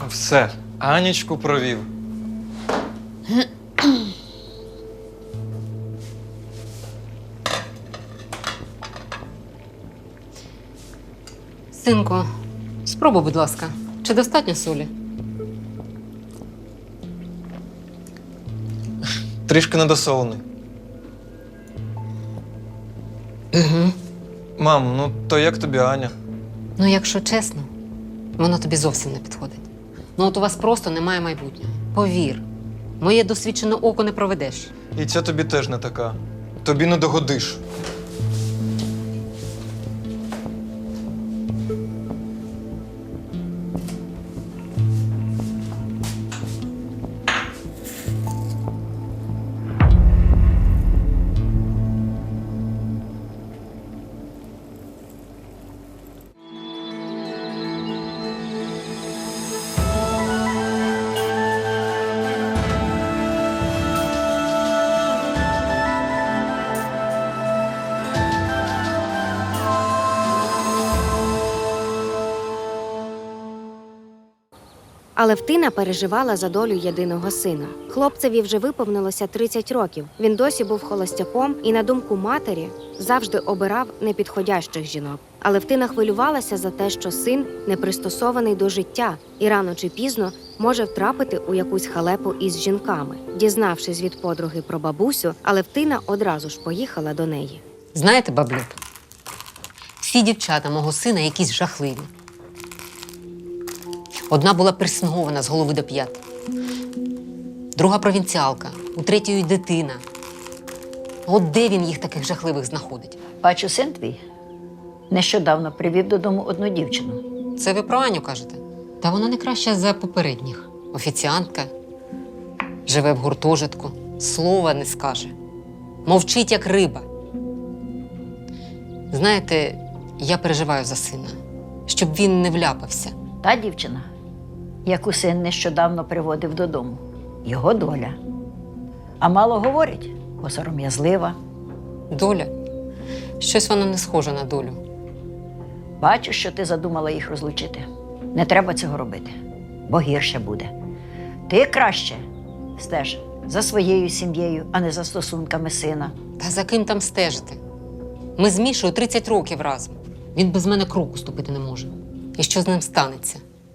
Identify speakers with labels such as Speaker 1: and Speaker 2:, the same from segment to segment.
Speaker 1: Все, Анічку провів.
Speaker 2: Синку, спробуй, будь ласка. Чи достатньо солі?
Speaker 1: Трішки недосолений.
Speaker 2: Угу.
Speaker 1: Мам, ну то як тобі Аня?
Speaker 2: Ну, якщо чесно, воно тобі зовсім не підходить. Ну, от у вас просто немає майбутнього. Повір, моє досвідчене око не проведеш.
Speaker 1: І ця тобі теж не така. Тобі не догодиш.
Speaker 3: Алевтина переживала за долю єдиного сина. Хлопцеві вже виповнилося 30 років. Він досі був холостяком і, на думку матері, завжди обирав непідходящих жінок. Алевтина хвилювалася за те, що син не пристосований до життя і рано чи пізно може втрапити у якусь халепу із жінками. Дізнавшись від подруги про бабусю, Алевтина одразу ж поїхала до неї.
Speaker 2: Знаєте, баблюб, всі дівчата мого сина якісь жахливі. Одна була персингована з голови до п'ят. Друга провінціалка, у третьої дитина. От де він їх таких жахливих знаходить?
Speaker 4: Бачу, син твій нещодавно привів додому одну дівчину.
Speaker 2: Це ви про Аню кажете? Та вона не краща за попередніх. Офіціантка, живе в гуртожитку, слова не скаже. Мовчить, як риба. Знаєте, я переживаю за сина, щоб він не вляпався.
Speaker 4: Та дівчина, яку син нещодавно приводив додому, його доля. А мало говорить, бо сором'язлива.
Speaker 2: Доля? Щось вона не схожа на долю.
Speaker 4: Бачу, що ти задумала їх розлучити. Не треба цього робити, бо гірше буде. Ти краще стеж за своєю сім'єю, а не за стосунками сина.
Speaker 2: Та за ким там стежити? Ми з Мішою 30 років разом. Він без мене кроку ступити не може. І що з ним станеться?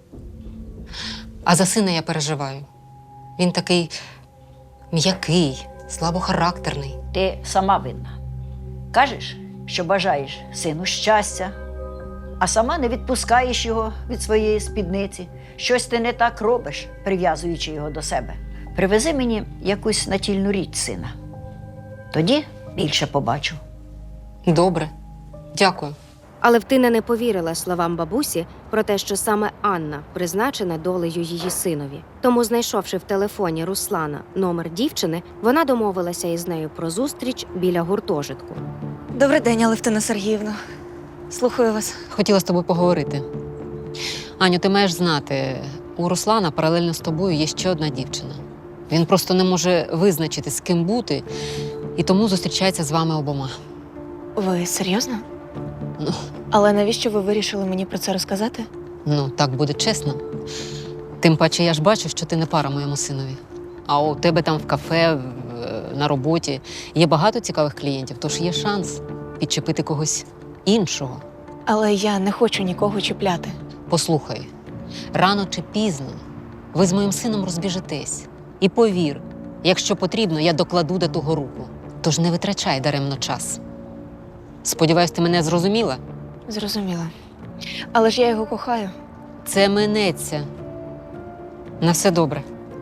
Speaker 2: А за сина я переживаю. Він такий м'який, слабохарактерний.
Speaker 4: Ти сама винна. Кажеш, що бажаєш сину щастя, а сама не відпускаєш його від своєї спідниці. Щось ти не так робиш, прив'язуючи його до себе. Привези мені якусь натільну річ сина. Тоді більше побачу.
Speaker 2: Добре. Дякую.
Speaker 3: Алевтина не повірила словам бабусі про те, що саме Анна призначена долею її синові. Тому, знайшовши в телефоні Руслана номер дівчини, вона домовилася із нею про зустріч біля гуртожитку.
Speaker 5: Добрий день, Алевтина Сергіївна. Слухаю вас.
Speaker 2: Хотіла з тобою поговорити. Аню, ти маєш знати, у Руслана паралельно з тобою є ще одна дівчина. Він просто не може визначити, з ким бути, і тому зустрічається з вами обома.
Speaker 5: Ви серйозно?
Speaker 2: Ну.
Speaker 5: Але навіщо ви вирішили мені про це розказати?
Speaker 2: Ну, так буде чесно. Тим паче я ж бачу, що ти не пара моєму синові. А у тебе там в кафе, на роботі є багато цікавих клієнтів, тож є шанс підчепити когось іншого.
Speaker 5: Але я не хочу нікого чіпляти.
Speaker 2: Послухай, рано чи пізно ви з моїм сином розбіжетесь. І повір, якщо потрібно, я докладу до того руку. Тож не витрачай даремно час. Сподіваюсь, ти мене зрозуміла?
Speaker 5: Зрозуміла. Але ж я його кохаю.
Speaker 2: Це минеться. На все добре.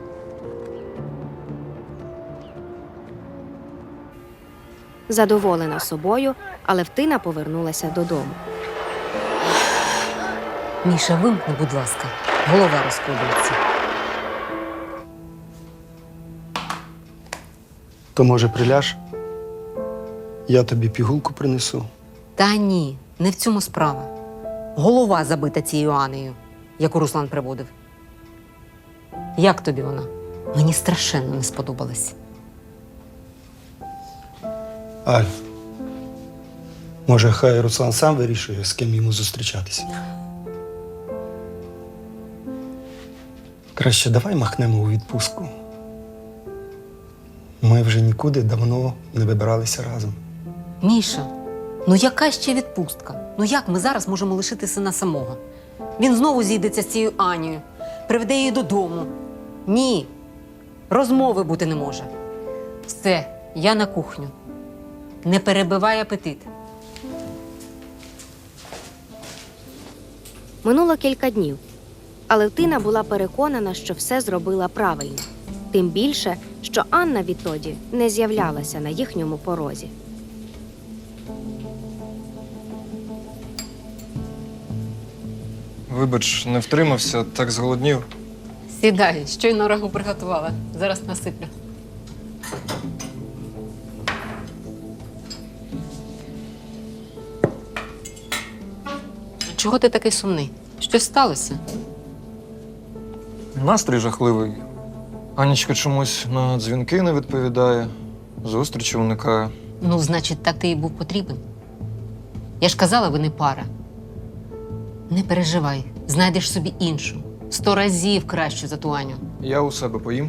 Speaker 3: Задоволена собою, Алевтина повернулася додому.
Speaker 2: Міша, вимкни, будь ласка. Голова розходиться.
Speaker 6: То, може, приляж? Я тобі пігулку принесу.
Speaker 2: Та ні, не в цьому справа. Голова забита цією Анею, яку Руслан приводив. Як тобі вона? Мені страшенно не сподобалась.
Speaker 6: Аль, може, хай Руслан сам вирішує, з ким йому зустрічатися. Краще давай махнемо у відпустку. Ми вже нікуди давно не вибиралися разом.
Speaker 2: Міша, ну яка ще відпустка? Ну як ми зараз можемо лишити сина самого? Він знову зійдеться з цією Анією, приведе її додому. Ні, розмови бути не може. Все, я на кухню. Не перебивай апетит.
Speaker 3: Минуло кілька днів, але Тина була переконана, що все зробила правильно. Тим більше, що Анна відтоді не з'являлася на їхньому порозі.
Speaker 1: Вибач, не втримався, так зголоднів.
Speaker 2: Сідай, щойно рагу приготувала. Зараз насиплю. Чого ти такий сумний? Щось сталося?
Speaker 1: Настрій жахливий. Анічка чомусь на дзвінки не відповідає, зустрічі уникає.
Speaker 2: Ну, значить, так ти їй був потрібен. Я ж казала, ви не пара. Не переживай, знайдеш собі іншу. 100 разів кращу за ту Аню.
Speaker 1: Я у себе поїм.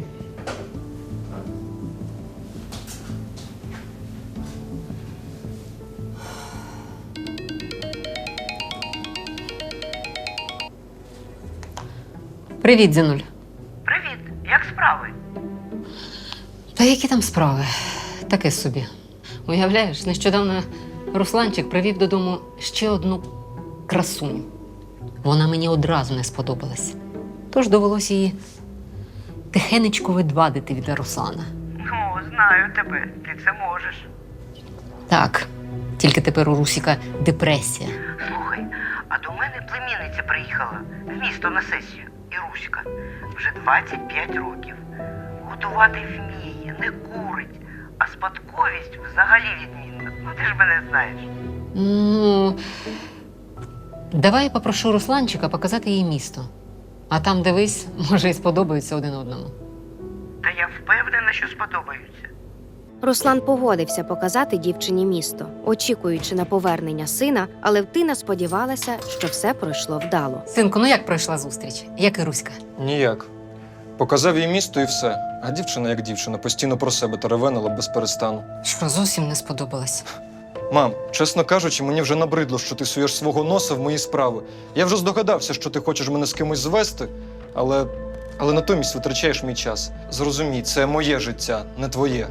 Speaker 2: Привіт, Зінуль.
Speaker 7: Привіт, як справи?
Speaker 2: Та які там справи? Таке собі. Уявляєш, нещодавно Русланчик привів додому ще одну красуню. Вона мені одразу не сподобалась. Тож довелося її тихенечко відвадити від Руслана.
Speaker 7: Ну, знаю тебе, ти це можеш.
Speaker 2: Так, тільки тепер у Русіка депресія.
Speaker 7: Слухай, а до мене племінниця приїхала в місто на сесію. Іруська. Вже 25 років. Готувати вміє, не курить, а спадковість взагалі відмінна. Ну ти ж мене знаєш.
Speaker 2: Ну, давай я попрошу Русланчика показати їй місто. А там, дивись, може, і сподобаються один одному.
Speaker 7: Та я впевнена, що сподобаються.
Speaker 3: Руслан погодився показати дівчині місто, очікуючи на повернення сина, але Тина сподівалася, що все пройшло вдало.
Speaker 2: Синку, ну як пройшла зустріч? Як і Руська?
Speaker 1: Ніяк. Показав їй місто і все. А дівчина, як дівчина, постійно про себе теревенила без перестану.
Speaker 2: Що, зовсім не сподобалось?
Speaker 1: Мам, чесно кажучи, мені вже набридло, що ти суєш свого носа в мої справи. Я вже здогадався, що ти хочеш мене з кимось звести, але натомість витрачаєш мій час. Зрозумій, це моє життя, не твоє.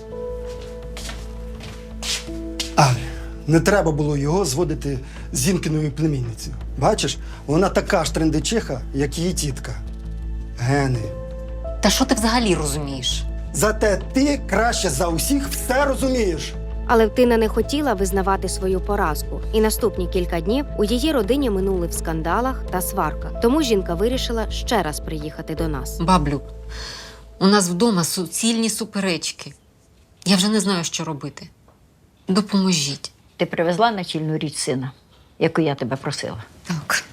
Speaker 6: Але не треба було його зводити з Зінкиною племінницею. Бачиш, вона така ж трендичиха, як її тітка. Гени.
Speaker 2: Та що ти взагалі розумієш?
Speaker 6: Зате ти краще за усіх все розумієш.
Speaker 3: Але Тина не хотіла визнавати свою поразку, і наступні кілька днів у її родині минули в скандалах та сварках. Тому жінка вирішила ще раз приїхати до нас.
Speaker 2: Баблю, у нас вдома суцільні суперечки. Я вже не знаю, що робити. Допоможіть.
Speaker 4: Ти привезла начільну річ сина, яку я тебе просила.
Speaker 2: Так.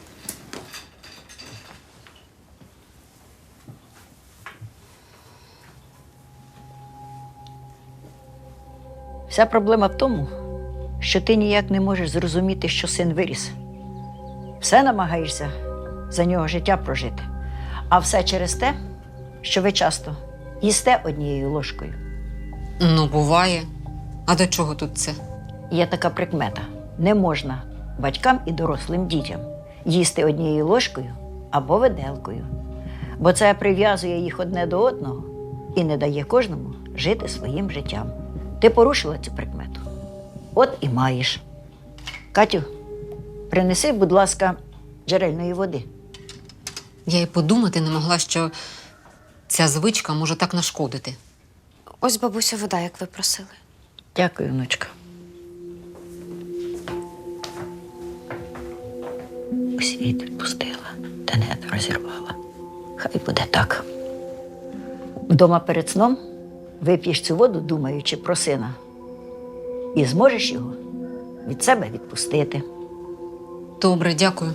Speaker 4: Вся проблема в тому, що ти ніяк не можеш зрозуміти, що син виріс. Все намагаєшся за нього життя прожити. А все через те, що ви часто їсте однією ложкою.
Speaker 2: Ну, буває. А до чого тут це?
Speaker 4: Є така прикмета. Не можна батькам і дорослим дітям їсти однією ложкою або виделкою. Бо це прив'язує їх одне до одного і не дає кожному жити своїм життям. Ти порушила цю прикмету. От і маєш. Катю, принеси, будь ласка, джерельної води.
Speaker 2: Я й подумати не могла, що ця звичка може так нашкодити.
Speaker 3: Ось, бабуся, вода, як ви просили.
Speaker 4: Дякую, внучка. Світ відпустила, та не розірвала. Хай буде так. Вдома перед сном вип'єш цю воду, думаючи про сина, і зможеш його від себе відпустити.
Speaker 2: Добре, дякую.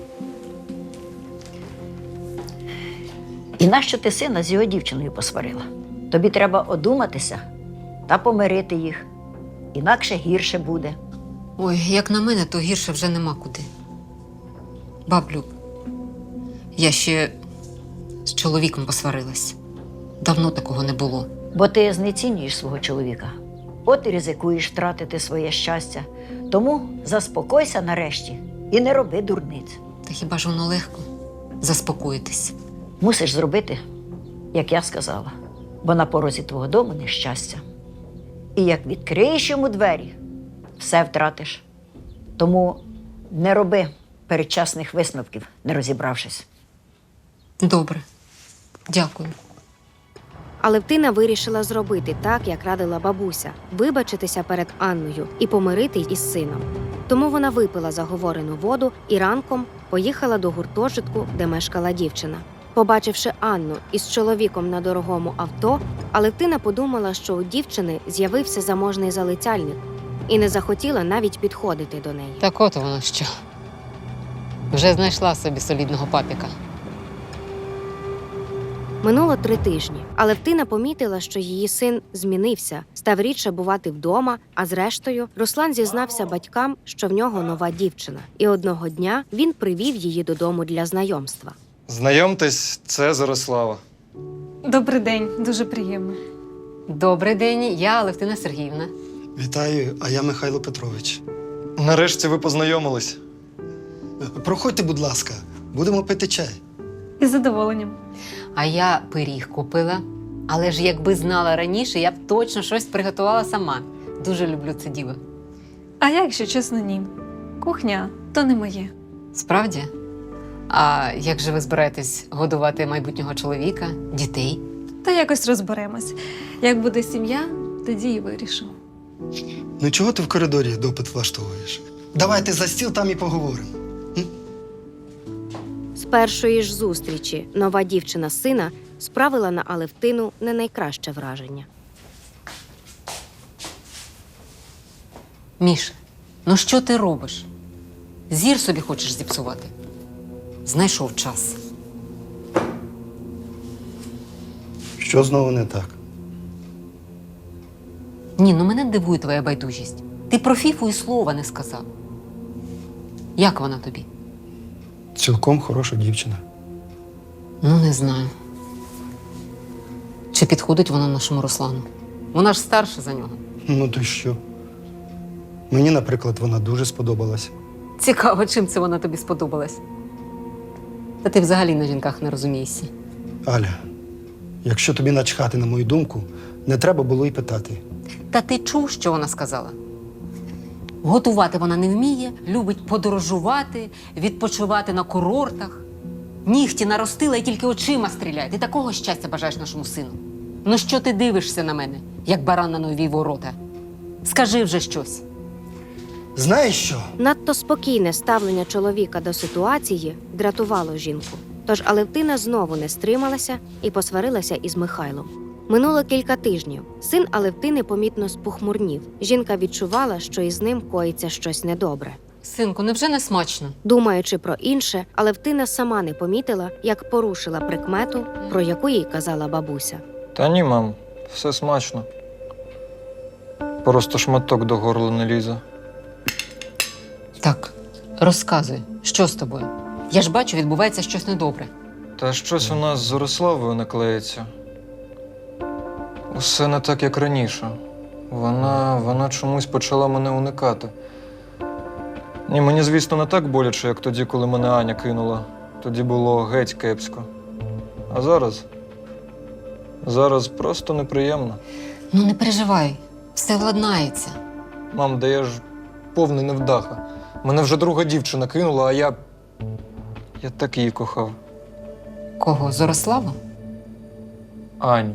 Speaker 4: І нащо ти сина з його дівчиною посварила? Тобі треба одуматися та помирити їх. Інакше гірше буде.
Speaker 2: Ой, як на мене, то гірше вже нема куди. Баблю, я ще чоловіком посварилась. Давно такого не було.
Speaker 4: Бо ти знецінюєш свого чоловіка. От і ризикуєш втратити своє щастя. Тому заспокойся нарешті і не роби дурниць.
Speaker 2: Та хіба ж воно легко заспокоїтись?
Speaker 4: Мусиш зробити, як я сказала, бо на порозі твого дому нещастя. І як відкриєш йому двері, все втратиш. Тому не роби передчасних висновків, не розібравшись.
Speaker 2: Добре. Дякую.
Speaker 3: Алевтина вирішила зробити так, як радила бабуся, вибачитися перед Анною і помирити із сином. Тому вона випила заговорену воду і ранком поїхала до гуртожитку, де мешкала дівчина. Побачивши Анну із чоловіком на дорогому авто, Алевтина подумала, що у дівчини з'явився заможний залицяльник і не захотіла навіть підходити до неї.
Speaker 2: Так от воно що. Вже знайшла собі солідного папіка.
Speaker 3: Минуло 3 тижні. Алевтина помітила, що її син змінився, став рідше бувати вдома, а зрештою Руслан зізнався батькам, що в нього нова дівчина. І одного дня він привів її додому для знайомства.
Speaker 1: Знайомтесь, це Зарислава.
Speaker 5: Добрий день, дуже приємно.
Speaker 2: Добрий день, я Алевтина Сергіївна.
Speaker 6: Вітаю, а я Михайло Петрович.
Speaker 1: Нарешті ви познайомились.
Speaker 6: Проходьте, будь ласка, будемо пити чай.
Speaker 5: Із задоволенням.
Speaker 2: А я пиріг купила. Але ж якби знала раніше, я б точно щось приготувала сама. Дуже люблю це діло.
Speaker 5: А я, якщо чесно, ні. Кухня то не моє.
Speaker 2: Справді? А як же ви збираєтесь годувати майбутнього чоловіка, дітей?
Speaker 5: Та якось розберемось. Як буде сім'я, тоді і вирішу.
Speaker 6: Ну чого ти в коридорі допит влаштовуєш? Давайте за стіл, там і поговоримо.
Speaker 3: З першої ж зустрічі нова дівчина сина справила на Алевтину не найкраще враження.
Speaker 2: Міша, ну що ти робиш? Зір собі хочеш зіпсувати? Знайшов час.
Speaker 6: Що знову не так?
Speaker 2: Ні, ну мене дивує твоя байдужість. Ти про Фіфу і слова не сказав. Як вона тобі?
Speaker 6: Цілком хороша дівчина.
Speaker 2: Ну, не знаю. Чи підходить вона нашому Руслану? Вона ж старша за нього.
Speaker 6: Ну то й що? Мені, наприклад, вона дуже сподобалась.
Speaker 2: Цікаво, чим це вона тобі сподобалась. Та ти взагалі на жінках не розумієшся.
Speaker 6: Аля, якщо тобі начхати на мою думку, не треба було й питати.
Speaker 2: Та ти чув, що вона сказала? Готувати вона не вміє, любить подорожувати, відпочивати на курортах. Нігті наростила і тільки очима стріляє. Ти такого щастя бажаєш нашому сину? Ну що ти дивишся на мене, як баран на нові ворота? Скажи вже щось.
Speaker 6: Знаєш що?
Speaker 3: Надто спокійне ставлення чоловіка до ситуації дратувало жінку. Тож Алевтина знову не стрималася і посварилася із Михайлом. Минуло кілька тижнів. Син Алевтини помітно спохмурнів. Жінка відчувала, що із ним коїться щось недобре.
Speaker 2: Синку, невже не смачно?
Speaker 3: Думаючи про інше, Алевтина сама не помітила, як порушила прикмету, про яку їй казала бабуся.
Speaker 1: Та ні, мам, все смачно. Просто шматок до горла не лізе.
Speaker 2: Так, розказуй, що з тобою? Я ж бачу, відбувається щось недобре.
Speaker 1: Та щось у нас з Зориславою не клеїться. Усе не так, як раніше. Вона чомусь почала мене уникати. Ні, мені, звісно, не так боляче, як тоді, коли мене Аня кинула. Тоді було геть кепсько. А зараз? Зараз просто неприємно.
Speaker 2: Ну не переживай, все владнається.
Speaker 1: Мам, да я ж повний невдаха. Мене вже друга дівчина кинула, а я так її кохав.
Speaker 2: Кого, Зориславу?
Speaker 1: Аню.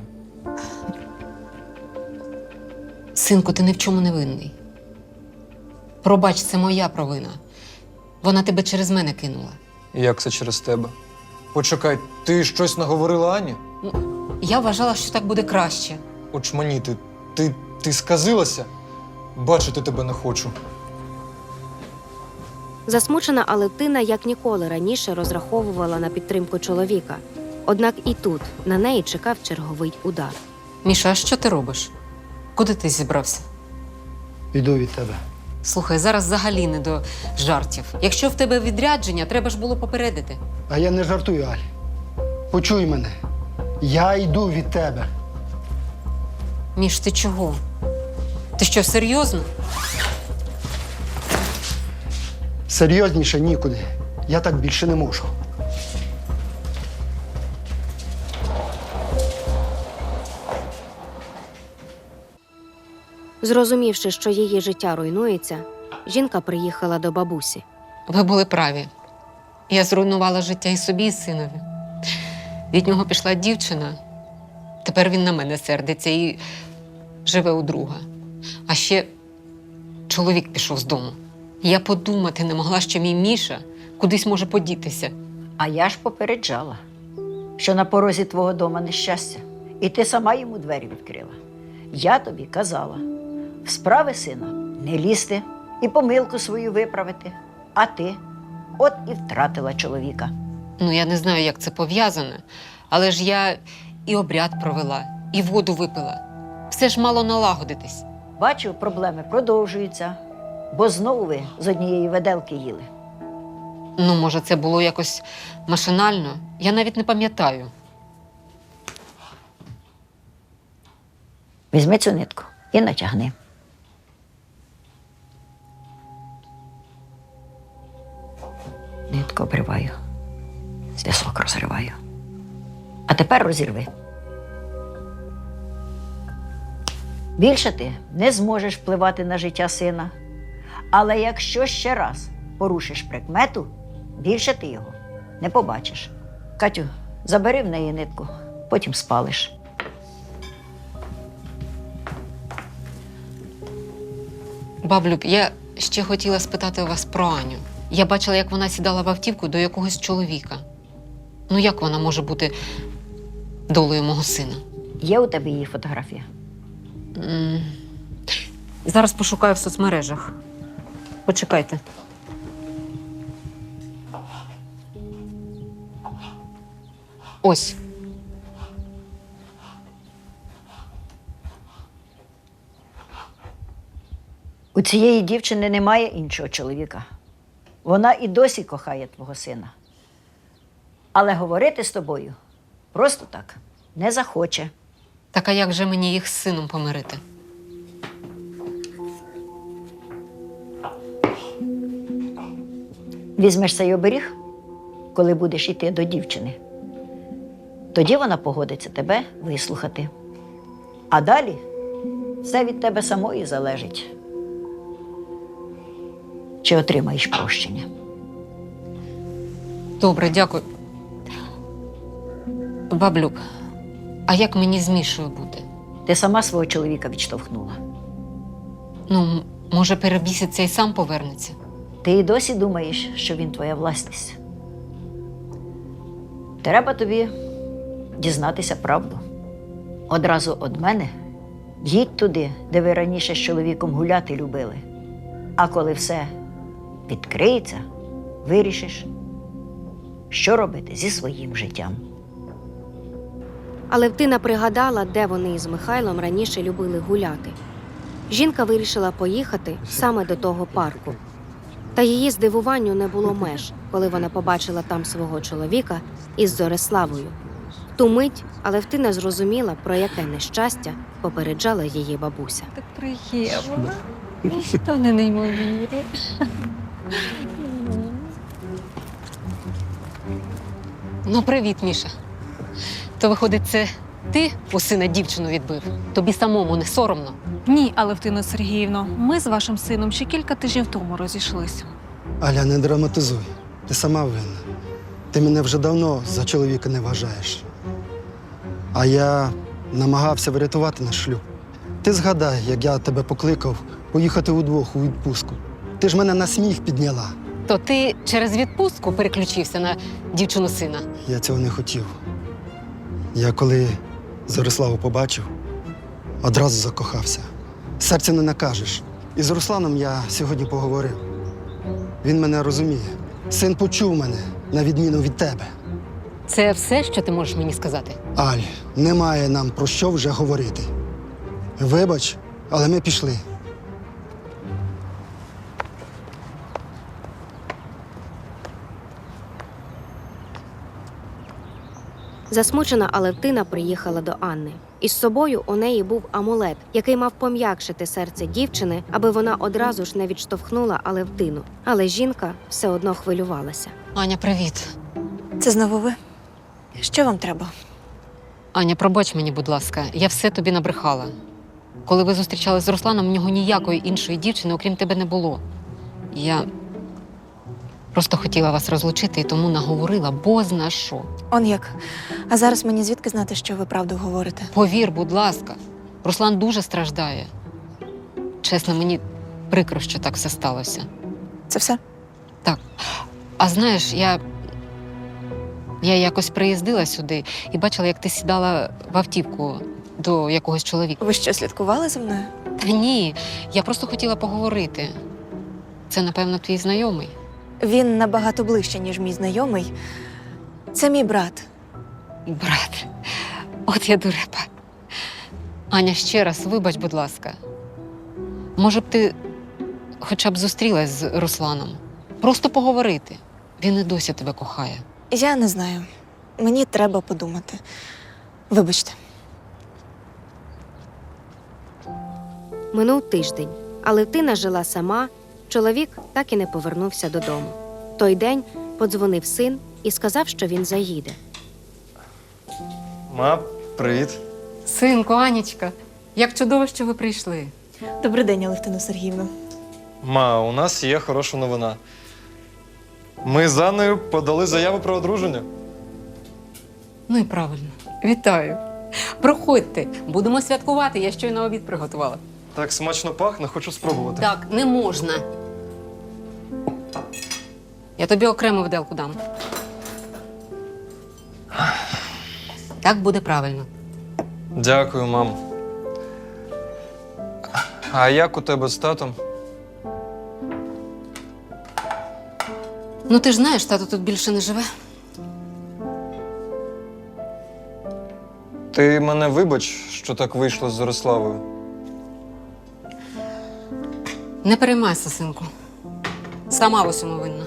Speaker 2: Синку, ти ні в чому не винний. Пробач, це моя провина. Вона тебе через мене кинула.
Speaker 1: Як це через тебе? Почекай, ти щось наговорила Ані?
Speaker 2: Я вважала, що так буде краще.
Speaker 1: Очманіти, ти сказилася? Бачити тебе не хочу.
Speaker 3: Засмучена Алевтина як ніколи раніше розраховувала на підтримку чоловіка. Однак і тут на неї чекав черговий удар.
Speaker 2: Міша, а що ти робиш? Куди ти зібрався?
Speaker 6: Йду від тебе.
Speaker 2: Слухай, зараз взагалі не до жартів. Якщо в тебе відрядження, треба ж було попередити.
Speaker 6: А я не жартую, Аль. почуй мене. Я йду від тебе.
Speaker 2: Міш, ти чого? Ти що, серйозно?
Speaker 6: Серйозніше нікуди. Я так більше не можу.
Speaker 3: Зрозумівши, що її життя руйнується, жінка приїхала до бабусі.
Speaker 2: Ви були праві. Я зруйнувала життя і собі, і синові. Від нього пішла дівчина. Тепер він на мене сердиться і живе у друга. А ще чоловік пішов з дому. Я подумати не могла, що мій Міша кудись може подітися.
Speaker 4: А я ж попереджала, що на порозі твого дома нещастя, і ти сама йому двері відкрила. Я тобі казала, в справи сина не лізти і помилку свою виправити. А ти от і втратила чоловіка.
Speaker 2: Ну, я не знаю, як це пов'язане, але ж я і обряд провела, і воду випила. Все ж мало налагодитись.
Speaker 4: Бачу, проблеми продовжуються, бо знову ви з однієї веделки їли.
Speaker 2: Ну, може, це було якось машинально? Я навіть не пам'ятаю.
Speaker 4: Візьми цю нитку і натягни. Нитку обриваю, зв'язок розриваю. А тепер розірви. Більше ти не зможеш впливати на життя сина. Але якщо ще раз порушиш прикмету, більше ти його не побачиш. Катю, забери в неї нитку, потім спалиш.
Speaker 2: Баблюб, я ще хотіла спитати у вас про Аню. Я бачила, як вона сідала в автівку до якогось чоловіка. Ну, як вона може бути долею мого сина?
Speaker 4: Є у тебе її фотографія?
Speaker 2: Зараз пошукаю в соцмережах. Почекайте. Ось.
Speaker 4: У цієї дівчини немає іншого чоловіка. Вона і досі кохає твого сина. Але говорити з тобою просто так не захоче.
Speaker 2: Так а як же мені їх з сином помирити?
Speaker 4: Візьмеш цей оберіг, коли будеш йти до дівчини. Тоді вона погодиться тебе вислухати. А далі все від тебе самої залежить. Чи отримаєш прощення?
Speaker 2: Добре, дякую. Баблюб, а як мені з Мішою бути?
Speaker 4: Ти сама свого чоловіка відштовхнула.
Speaker 2: Ну, може, перебіситься і сам повернеться?
Speaker 4: Ти і досі думаєш, що він твоя власність. Треба тобі дізнатися правду. Одразу від мене їдь туди, де ви раніше з чоловіком гуляти любили. А коли все відкриється, вирішиш, що робити зі своїм життям.
Speaker 3: Але Втина пригадала, де вони із Михайлом раніше любили гуляти. Жінка вирішила поїхати саме до того парку. Та її здивуванню не було меж, коли вона побачила там свого чоловіка із Зориславою. В ту мить Алевтина зрозуміла, про яке нещастя попереджала її бабуся.
Speaker 5: Так приємно. Та не неймовірно.
Speaker 2: Ну, привіт, Міша. То, виходить, це ти у сина дівчину відбив? Тобі самому не соромно?
Speaker 5: Ні, Алевтино Сергіївно, ми з вашим сином ще кілька тижнів тому розійшлися.
Speaker 6: Аля, не драматизуй. Ти сама винна. Ти мене вже давно за чоловіка не вважаєш. А я намагався врятувати наш шлюб. Ти згадай, як я тебе покликав поїхати удвох у відпустку. Ти ж мене на сміх підняла.
Speaker 2: То ти через відпустку переключився на дівчину сина?
Speaker 6: Я цього не хотів. Я коли Зориславу побачив, одразу закохався. Серця не накажеш. І з Русланом я сьогодні поговорив. Він мене розуміє. Син почув мене, на відміну від тебе.
Speaker 2: Це все, що ти можеш мені сказати?
Speaker 6: Аль, немає нам про що вже говорити. Вибач, але ми пішли.
Speaker 3: Засмучена Алевтина приїхала до Анни. Із собою у неї був амулет, який мав пом'якшити серце дівчини, аби вона одразу ж не відштовхнула Алевтину. Але жінка все одно хвилювалася.
Speaker 2: Аня, привіт.
Speaker 8: Це знову ви? Що вам треба?
Speaker 2: Аня, пробач мені, будь ласка, я все тобі набрехала. Коли ви зустрічалися з Русланом, в нього ніякої іншої дівчини, окрім тебе, не було. Я просто хотіла вас розлучити і тому наговорила бозна що.
Speaker 8: Он як. А зараз мені звідки знати, що ви правду говорите?
Speaker 2: Повір, будь ласка, Руслан дуже страждає. Чесно, мені прикро, що так все сталося.
Speaker 8: Це все?
Speaker 2: Так. А знаєш, я якось приїздила сюди і бачила, як ти сідала в автівку до якогось чоловіка.
Speaker 8: Ви що, слідкували за мною?
Speaker 2: Та ні, я просто хотіла поговорити. Це, напевно, твій знайомий.
Speaker 8: Він набагато ближче, ніж мій знайомий. Це мій брат.
Speaker 2: Брат, от я дурепа. Аня, ще раз, вибач, будь ласка. Може б ти хоча б зустрілась з Русланом? Просто поговорити. Він і досі тебе кохає.
Speaker 8: Я не знаю. Мені треба подумати. Вибачте.
Speaker 3: Минув тиждень. Алевтина жила сама, чоловік так і не повернувся додому. Той день подзвонив син і сказав, що він заїде.
Speaker 1: Ма, привіт.
Speaker 2: Синку, Анічка, як чудово, що ви прийшли.
Speaker 8: Добрий день, Алевтина Сергіївна.
Speaker 1: Ма, у нас є хороша новина. Ми з Анною подали заяву про одруження.
Speaker 2: Ну і правильно. Вітаю. Проходьте, будемо святкувати, я щойно обід приготувала.
Speaker 1: Так смачно пахне, хочу спробувати.
Speaker 2: Так, не можна. Я тобі окремо виделку дам. Так буде правильно.
Speaker 1: Дякую, мам. А як у тебе з татом?
Speaker 2: Ну ти ж знаєш, тато тут більше не живе.
Speaker 1: Ти мене вибач, що так вийшло з Зориславою.
Speaker 2: Не переймайся, синку. Сама в усьому винна.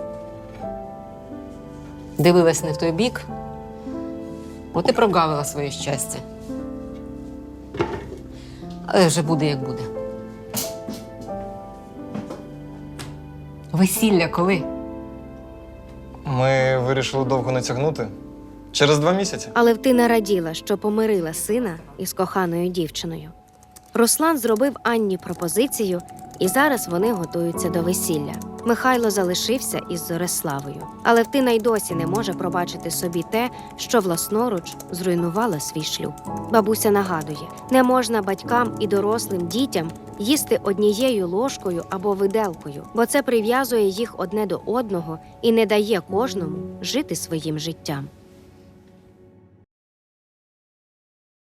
Speaker 2: Дивилась не в той бік, от і прогавила своє щастя. Але вже буде, як буде. Весілля коли?
Speaker 1: Ми вирішили довго не тягнути. Через 2 місяці.
Speaker 3: Алевтина раділа, що помирила сина із коханою дівчиною. Руслан зробив Анні пропозицію, і зараз вони готуються до весілля. Михайло залишився із Зориславою. Алевтина й досі не може пробачити собі те, що власноруч зруйнувала свій шлюб. Бабуся нагадує, не можна батькам і дорослим дітям їсти однією ложкою або виделкою, бо це прив'язує їх одне до одного і не дає кожному жити своїм життям.